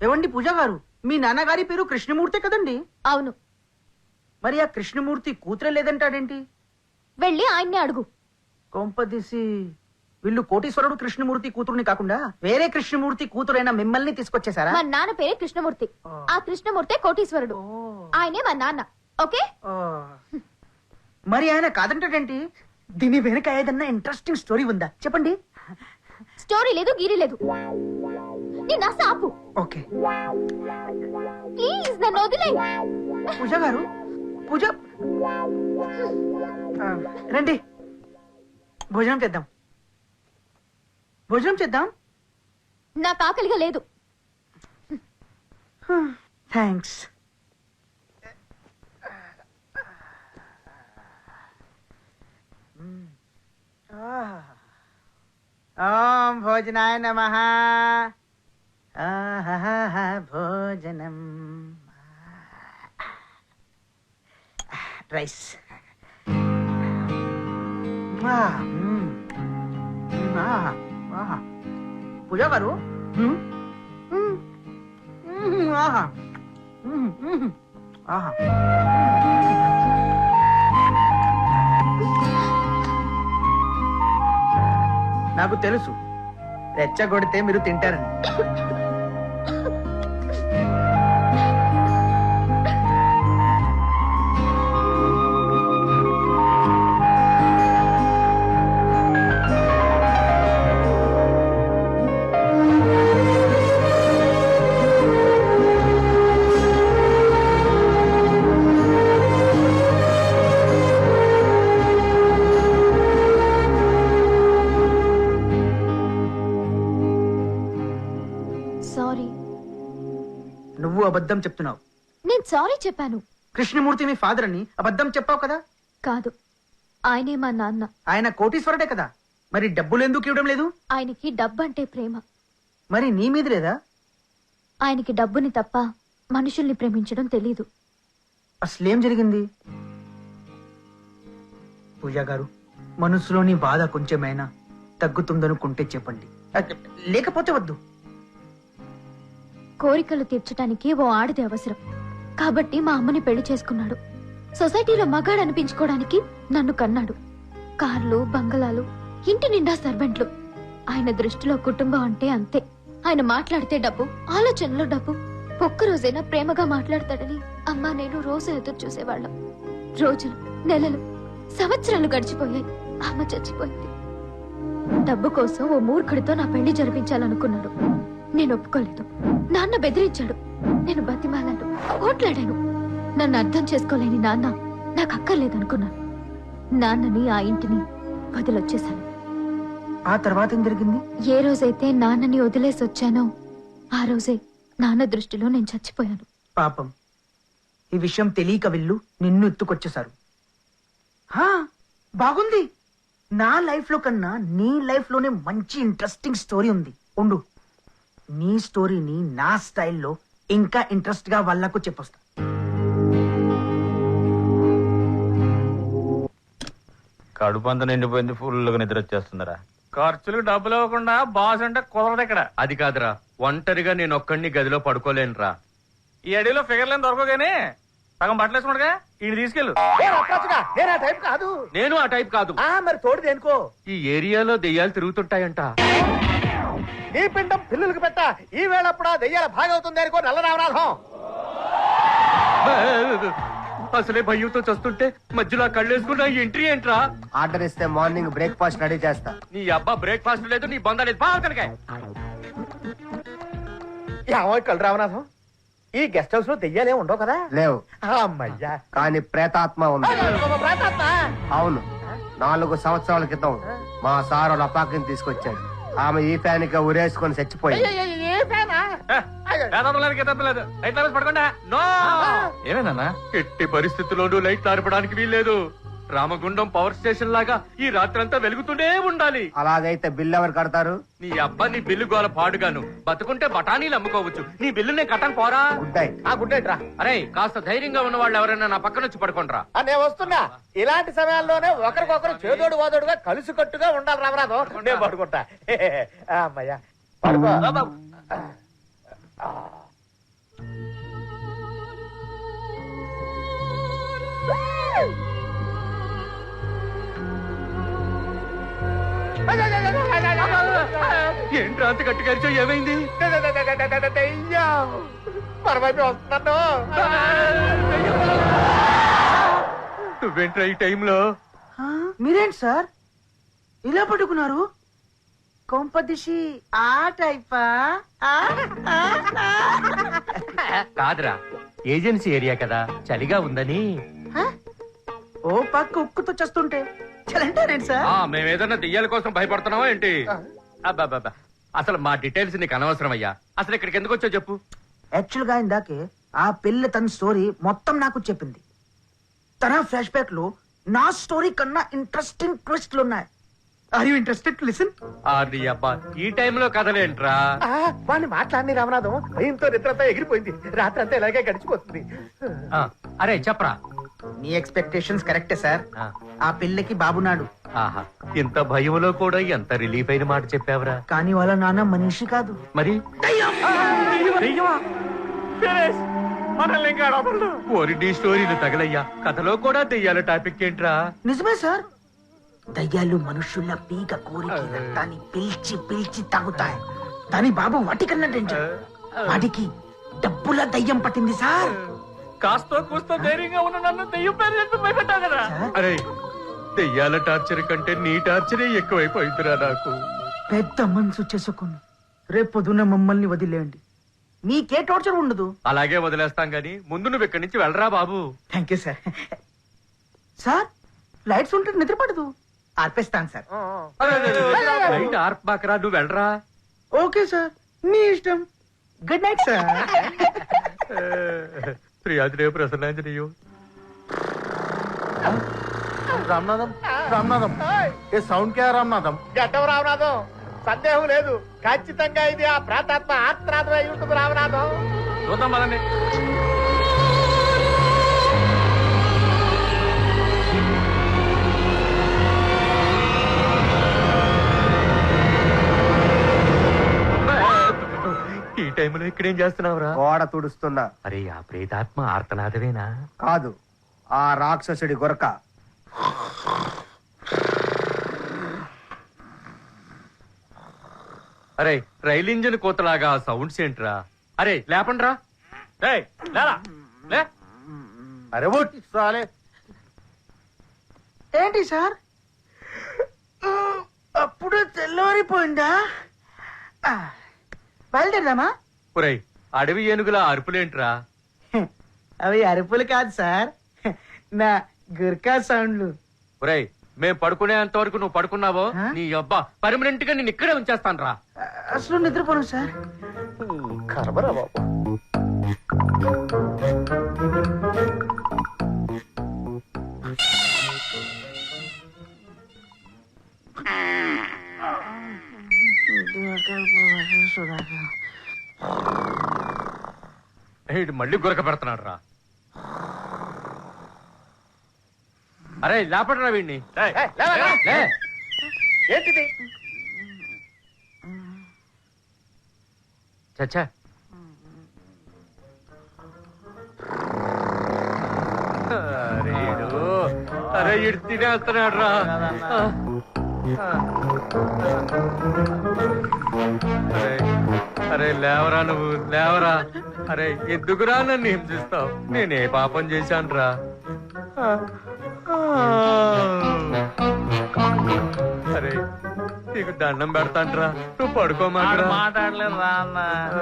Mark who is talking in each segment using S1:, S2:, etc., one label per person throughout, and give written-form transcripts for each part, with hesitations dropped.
S1: ఏవండి పూజ గారు, మీ నాన్నగారి పేరు కృష్ణమూర్తే కదండి?
S2: అవును.
S1: మరి ఆ కృష్ణమూర్తి కూతురే లేదంటాడేంటి?
S2: వెళ్ళి ఆయన్ని అడుగు.
S1: కొంపదీసి వీళ్ళు కోటీశ్వరుడు కృష్ణమూర్తి కూతురుని కాకుండా వేరే కృష్ణమూర్తి కూతురైన మిమ్మల్ని తీసుకొచ్చేసారా?
S2: మా నాన్న పేరే కృష్ణమూర్తి. ఆ కృష్ణమూర్తే కోటీశ్వరుడు. ఆయనే మా నాన్న. ఓకే.
S1: మరి ఆయన కాదంటాడేంటి? దీని వెనుక ఏదన్నా ఇంట్రెస్టింగ్ స్టోరీ ఉందా? చెప్పండి.
S2: స్టోరీ లేదు, గీరీ లేదు. నేను ఆపు.
S1: ఓకే
S2: ప్లీజ్, నన్ను వదిలే.
S1: పూజ గారు, పూజ రండి, భోజనం చేద్దాం. భోజనం చేద్దాం.
S2: నాకు ఆకలిగా లేదు.
S1: థ్యాంక్స్. ఓం భోజనాయ నమః. భోజనం. రైస్. పూజ గారు, నాకు తెలుసు రెచ్చగొడితే మీరు తింటారని.
S2: సారీ.
S1: నువ్వు అబద్ధం చెప్తున్నావు.
S2: నేను సారీ చెప్పాను.
S1: కృష్ణమూర్తి మీ ఫాదర్ అని అబద్ధం చెప్పావు కదా?
S2: కాదు, ఆయనే మా నాన్న.
S1: ఆయన కోటీశ్వరుడే కదా, మరి డబ్బులు ఎందుకు ఇవ్వడం లేదు?
S2: ఆయనకి డబ్బంటే ప్రేమ.
S1: మరి నీ మీద లేదా?
S2: ఆయనకి డబ్బుని తప్ప మనుషుల్ని ప్రేమించడం తెలీదు.
S1: అసలేం జరిగింది? పూజా గారు, మనసులోని బాధ కొంచెమైనా తగ్గుతుందనుకుంటే చెప్పండి, లేకపోతే వద్దు.
S2: కోరికలు తీర్చడానికి ఓ ఆడది అవసరం కాబట్టి మా అమ్మని పెళ్లి చేసుకున్నాడు. సొసైటీలో మగాడు అనిపించుకోవడానికి నన్ను కన్నాడు. కార్లు, బంగళాలు, ఇంటి నిండా సర్వెంట్లు. ఆయన దృష్టిలో కుటుంబం అంటే అంతే. ఆయన మాట్లాడితే డబ్బు, ఆలోచనలో డబ్బు. ఒక్కరోజైనా ప్రేమగా మాట్లాడతాడని అమ్మా నేను రోజు ఎదురు చూసేవాళ్ళం. రోజులు, నెలలు, సంవత్సరాలు గడిచిపోయాయి. అమ్మ చచ్చిపోయింది. డబ్బు కోసం ఓ మూర్ఖుడితో నా పెళ్లి జరిపించాలనుకున్నాడు. నేను ఒప్పుకోలేదు. నాన్న బెదిరించాడు. నేను బతిమాలాను, ఓట్లాడాను. నన్ను అర్థం చేసుకోలేని నాన్న నాకు అక్కర్లేదనుకున్నాను. నాన్నని, ఆ ఇంటిని వదిలొచ్చేశాను.
S1: ఆ తర్వాత ఏం జరిగింది?
S2: ఏ రోజైతే నాన్నని వదిలేసి వచ్చానో ఆ రోజే నాన్న దృష్టిలో నేను చచ్చిపోయాను.
S1: పాపం, ఈ విషయం తెలియక వీళ్ళు నిన్ను ఎత్తుకొచ్చేశారు. బాగుంది. నా లైఫ్ లో కన్నా నీ లైఫ్ లోనే మంచి ఇంట్రెస్టింగ్ స్టోరీ ఉంది. ఉండు, నీ స్టోరీని నా స్టైల్లో ఇంకా ఇంట్రెస్ట్ గా వాళ్ళకు చెప్పొస్తా.
S3: కడుపు అంతా నిండిపోయింది, ఫుల్గా నిద్ర వచ్చేస్తుందరా.
S4: ఖర్చులకు డబ్బులు ఇవ్వకుండా బాస్ అంటే కుదరదు ఇక్కడ.
S5: అది కాదురా, ఒంటరిగా నేను ఒక్కడిని గదిలో పడుకోలేనురా.
S4: ఈ అడవిలో ఫిగర్లేని దొరకగానే సగం బట్టలు వేసుకుంటా ఈ తీసుకెళ్ళు.
S1: నేను ఆ టైప్ కాదు.
S5: నేను ఆ టైప్ కాదు.
S1: మరి తోడు దేనికో.
S5: ఈ ఏరియాలో దెయ్యాలు తిరుగుతుంటాయంట.
S1: నీ పిండం పిల్లులకు పెట్ట. ఈ వేళప్పుడు దెయ్యాల భాగవుతుంది అనుకో నల్ల రామనాథం.
S5: అసలే భయంతో చస్తుంటే మధ్యలో కళ్ళేసుకున్నా ఎంట్రీ ఏంట్రా?
S6: ఆర్డర్ ఇస్తే మార్నింగ్ బ్రేక్ఫాస్ట్ రెడీ చేస్తా.
S5: నీ అబ్బా బ్రేక్ఫాస్ట్ లేదు, నీ బంద లేదు. బాగా కనుక
S1: కళ్ళు రామనాథం, ఈ గెస్ట్ హౌస్ లో దెయ్యాలే ఉండవు కదా?
S6: లేవు.
S1: అమ్మయ్యా,
S6: కానీ ప్రేతాత్మ ఉంది. అవును, 4 సంవత్సరాల క్రితం మా సార్ వాళ్ళ అపాకిని తీసుకొచ్చాడు. ఆమె ఈ ఫ్యాన్ గా ఉరేసుకొని చచ్చిపోయింది.
S5: ఏమేనా ఎట్టి పరిస్థితుల్లోనూ లైట్ ఆర్పడానికి వీల్లేదు. రామగుండం పవర్ స్టేషన్ లాగా ఈ రాత్రంతా వెలుగుతూనే ఉండాలి.
S6: అలాగైతే బిల్లు ఎవరు కడతారు?
S5: నీ అబ్బా, నీ బిల్లు గోల పాడుగాను. బతుకుంటే బఠానీలు అమ్ముకోవచ్చు, నీ బిల్లు నేను కట్టను పోరా.
S6: గుడ్ నైట్ రా.
S5: అరే, కాస్త ధైర్యంగా ఉన్న వాళ్ళు ఎవరైనా నా పక్కన వచ్చి పడుకుంటారా?
S1: నేను వస్తున్నా. ఇలాంటి సమయాల్లోనే ఒకరికొకరు చేదోడు వాదోడుగా కలిసి కట్టుగా ఉండాలి రామనాథం. నేను పడుకుంటా. అమ్మయ్యా, పడుకో.
S5: ఏంట్రా అంత గట్టిగా అరిచావు? ఏమైంది?
S6: పరమైపు వస్తున్నాను.
S5: నువ్వేంట్రా ఈ టైంలో?
S1: ఆ, మీరేంటి సార్ ఇలా పట్టుకున్నారు? కొంపదిషి ఆ టైపా? ఆ, ఆ, ఆ.
S5: కాదురా, ఏజెన్సీ ఏరియా కదా, చలిగా ఉందని.
S1: ఆ? ఓ పక్క ఉక్కుతో చేస్తుంటే చలంటారేంటి సార్?
S5: మేమేదన్నా దెయ్యాల కోసం భయపడుతున్నావా ఏంటి? అబ్బాబ్బా, అసలు మా డీటెయిల్స్ నీకు అనవసరం అయ్యా. అసలు ఇక్కడికి ఎందుకు వచ్చావు చెప్పు.
S1: యాక్చువల్ గా ఇందాకే ఆ పిల్ల తన స్టోరీ మొత్తం నాకు చెప్పింది. తన ఫ్లాష్ బ్యాక్ లో నా స్టోరీ కన్నా ఇంట్రెస్టింగ్ ట్విస్ట్లు ఉన్నాయి. Are you interested to listen?
S5: నీ అబ్బా, ఈ టైంలో కథలేంట్రా?
S6: వాడిని మాట్లాడి రామనాథం భయంతో నిద్రంతా ఎగిరిపోయింది. రాత్రి అంతా ఇలాగే గడిచిపోతుంది.
S5: అరే చెప్పరా.
S1: మీ ఎక్స్పెక్టేషన్స్ కరెక్టే సార్.
S5: ఆ.
S1: ఆ పిల్లకి బాబునాడు,
S5: ఆహా, ఇంత భయంలో కూడా ఎంత రిలీఫ్ అయిన మాట చెప్పావురా.
S1: కానీ వాళ్ళ నాన్న మనిషి కాదు.
S5: మరి
S4: దెయ్యమా? ఫినిష్. మనల్ని ఇంకా అడపడు.
S5: ఒరిడి స్టోరీలు తగలయ్యా. కథలో కూడా దెయ్యాల టాపిక్ ఏంట్రా?
S1: నిజమే సార్. దయ్యాలు మనుషుల పీక కోరిక రక్తాన్ని పిలిచి పిలిచి తాగుతాయి. దాని బాబు వాటికన్నా డేంజర్. వాటికి డబ్బుల దయ్యం పట్టింది సార్.
S4: కాస్తో కూస్తో ధైర్యంగా ఉన్న నన్ను దెయ్యం పేరు చెప్పి భయపెట్టావు కదా.
S1: సార్,
S5: అరే, దెయ్యాల టార్చర్ కంటే నీ టార్చరే ఎక్కువైపోయిందిరా నాకు.
S1: పెద్ద మనసు చేసుకుని రేపొద్దున మమ్మల్ని వదిలేయండి. మీకే టార్చర్ ఉండదు.
S5: అలాగే వదిలేస్తాం గాని ముందు నువ్వు ఇక్కడి నుంచి వెళ్ళరా బాబు.
S1: Thank you sir. Sir, lights ఉంటే నిద్ర పడదు. ఆర్పేస్తాను సార్.
S5: లైట్ ఆర్పాకరా, నువ్వు వెళ్ళరా.
S1: ఓకే సార్, మీ ఇష్టం. Good night sir.
S5: ప్రియాజనేయ ప్రసన్నాంజనేయో.
S6: రామనాథం, రామనాథం, ఏ సౌండ్ కే రామనాథం? గడ్డం రామనాథం, సందేహం లేదు. ఖచ్చితంగా ఇది ఆ ప్రాతాత్మ ఆత్మనాథం అయి ఉంటుంది రామనాథం.
S4: చూద్దాం పదండి.
S5: ఈ టైంలో ఇక్కడేం చేస్తున్నావురా?
S6: గోడ తుడుస్తున్నా.
S5: అరే, ఆ ప్రేతాత్మ ఆర్తనాదవేనా?
S6: కాదు, ఆ రాక్షసుడి గొరక.
S5: అరే, రైలు ఇంజిన్ కోతలాగా సౌండ్స్ ఏంట్రా? అరే లేపండ్రా.
S4: ఏయ్, లేరా, లే.
S6: అరే ఉట్ సాలే.
S1: ఏంటి సార్, అప్పుడే తెల్లవారిపోయిందా? బయలుదేరదామా?
S5: ఒరేయ్, అడవి ఏనుగుల అరుపులేంట్రా?
S1: అవి అరుపులు కాదు సార్, నా గుర్కా సౌండ్లు.
S5: ఒరేయ్, మేం పడుకునేంత వరకు నువ్వు పడుకున్నావో
S1: ఆ?
S5: నీ అబ్బా పర్మనెంట్ గా నేను ఇక్కడే ఉంచేస్తాను రా.
S1: అసలు నిద్రపోను సార్.
S6: కర్మరా బాబు.
S5: ఈడు మళ్ళీ గురక పెడుతున్నాడు రా. అరే లేపడరా వీడిని.
S4: ఏయ్,
S5: లే.
S6: ఏంటిది?
S5: చచ్చా, అరే ఇడు తినేస్తున్నాడు రా. అరే, అరే లేవరా, నువ్వు లేవరా. అరే, ఎందుకురా నన్ను హింసిస్తావు? నేనే పాపం చేశాను రా. అరే, నీకు దండం పెడతాంట్రా, నువ్వు పడుకోమాటరా.
S4: మాట్లాడలేదు రా అన్న.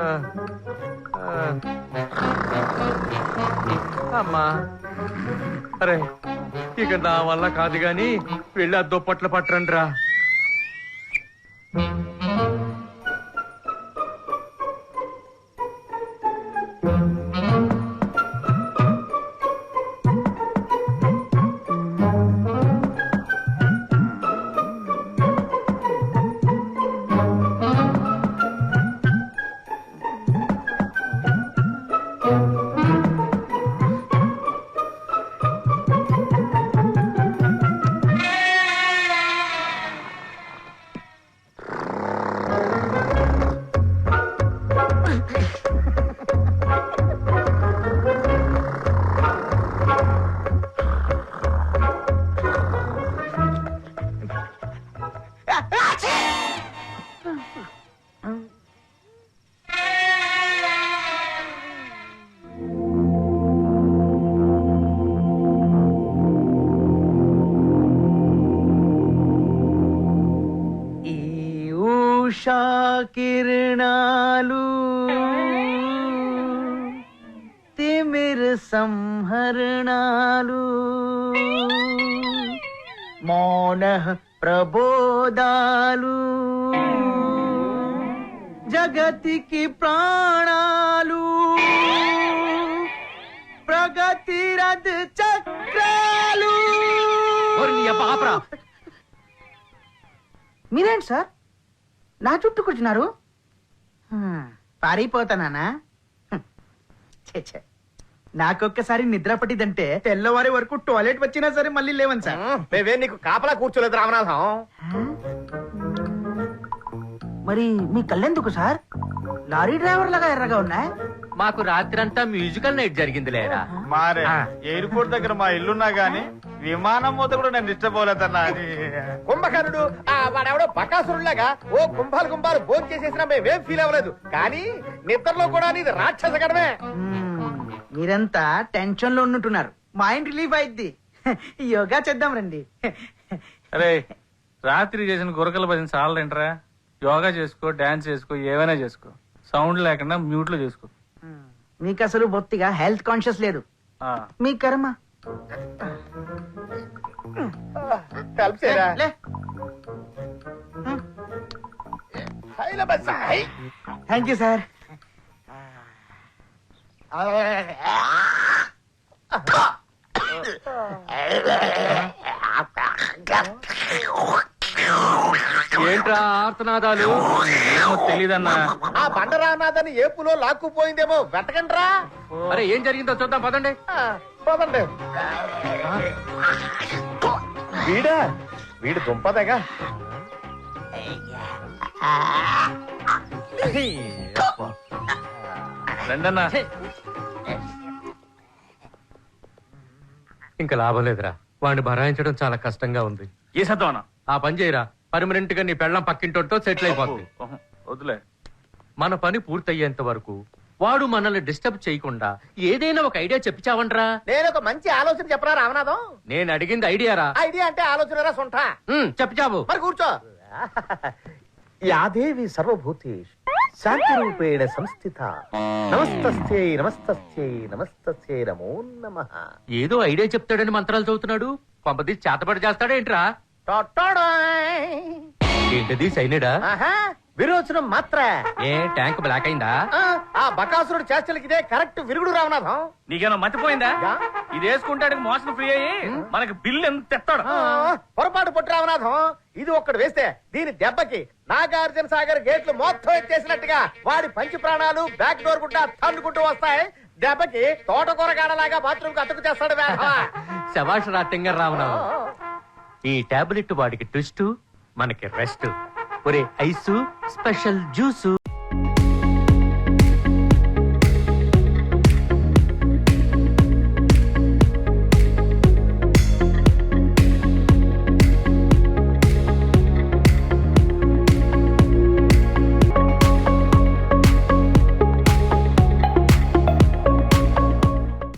S5: అమ్మా, అరే ఇక నా వల్ల కాదు గాని వెళ్ళి ఆ దుప్పట్లు పట్టరండి రా.
S1: ఉషా కిరణాలు తిమిర సంహరణాలు మౌన ప్రబోధాలు జగతికి ప్రాణాలు ప్రగతి రథ చక్రాలు. మీరేంటి సార్ నా చుట్టూ కూర్చున్నారు? పారిపోతానా? నాకొక్కసారి నిద్ర పట్టిదంటే తెల్లవారి వరకు టాయిలెట్ వచ్చినా సరే మళ్ళీ లేవని సార్.
S6: మేమే నీకు కాపలా కూర్చోలేదు రామనాథం.
S1: మరి మీ కళ్ళెందుకు సార్ లారీ డ్రైవర్ లాగా ఎర్రగా ఉన్నాయి?
S5: మాకు రాత్రంతా మ్యూజికల్ నైట్ జరిగింది లేరా.
S3: మారే ఎయిర్పోర్ట్ దగ్గర మా ఇల్లున్నా గానీ విమానం మూత కూడా నేను డిస్టర్బ్ అవ్వలేదన్నా అని.
S6: కుంభకర్ణుడు వాడెవడో బకాసురులాగా ఓ కుంభాలు కుంభాలు భోజనం చేసేసినా మేమేం ఫీల్ అవ్వలేదు. కానీ నిద్రలో కూడా నీది రాక్షస గడమే.
S1: మీరంతా టెన్షన్ లో ఉన్నట్టున్నారు. మైండ్ రిలీఫ్ అయిద్ది. యోగా చేద్దాం రండి.
S4: అరే రాత్రి చేసిన గురకల భజన చాలంటరా. యోగా చేసుకో, డాన్స్ చేసుకో, ఏమైనా చేసుకో, సౌండ్ లేకుండా మ్యూట్ లో చేసుకో.
S1: మీకు అసలు బొత్తిగా హెల్త్ కాన్షియస్ లేదు.
S4: ఆ,
S1: మీ కర్మ.
S6: కలిసేరా
S1: లే. Thank you sir.
S5: ఏంట్రా ఆర్తనాదాలు?
S4: ఏమో తెలీదన్నా.
S6: ఆ బండరానాథని ఏపులో లాక్కుపోయిందేమో వెతకండ్రా.
S5: అరే ఏం జరిగిందో చూద్దాం పదండి.
S6: పదండి. వీడు దుంపదగా.
S4: రండన్నా.
S5: ఇంకా లాభం లేదురా, వాడిని భరాయించడం చాలా కష్టంగా ఉంది.
S4: ఏ సత్వనా
S5: ఆ పని చేయరా, పర్మనెంట్ గా నీ పెళ్ళం పక్కింటోతో సెటిల్ అయిపోతుంది.
S4: వద్దులే.
S5: మన పని పూర్తయ్యేంత వరకు వాడు మనల్ని డిస్టర్బ్ చేయకుండా ఏదైనా ఒక ఐడియా చెప్పిచావంట్రా.
S6: నేను ఒక మంచి ఆలోచన చెప్పరా రామనాథం.
S5: నేను అడిగింది ఐడియారా.
S6: ఐడియా అంటే ఆలోచన సొంట.
S5: చెప్పిచావు.
S6: మరి కూర్చో. యాదేవి సర్వభూతేషు శాంతి రూపేణ సంస్థిత. నమస్తస్యై నమస్తస్యై నమస్తస్యై నమో నమః.
S5: ఏదో ఐడియా చెప్తాడని మంత్రాలు చదువుతున్నాడు. పంపది చేతపడి చేస్తాడేంట్రా? ఏంటది సైనిడా?
S6: విరోచనం మాత్ర.
S5: ఏ ట్యాంక్ బ్లాక్ అయిందా?
S6: ఆ బకాసురుడు చేష్టలకి ఇదే కరెక్ట్ విరుగుడు రామనాథం.
S4: నీకేమో మర్చిపోయిందా? ఇది వేసుకుంటాడు మోషన్ ఫ్రీ అయ్యి మనకి బిల్లు ఎంత ఎత్తాడు.
S6: పొరపాటు పొట్టు రామనాథం. ఇది ఒక్కడు వేస్తే దీని దెబ్బకి నాగార్జున సాగర్ గేట్లు మొత్తం ఎత్తేసినట్టుగా వాడి పంచి ప్రాణాలు బ్యాక్ డోర్ గుడ్డ తన్నుకుంటూ వస్తాయి. దెబ్బకి తోటకూరగాడలాగా బాత్రూమ్ కు అతుకు చేస్తాడు.
S5: శభాష్ రాటింగర్ రామనాథం. ఈ టాబ్లెట్ వాడికి ట్విస్ట్, మనకి రెస్ట్. ఒరే ఐసు స్పెషల్ జ్యూసు.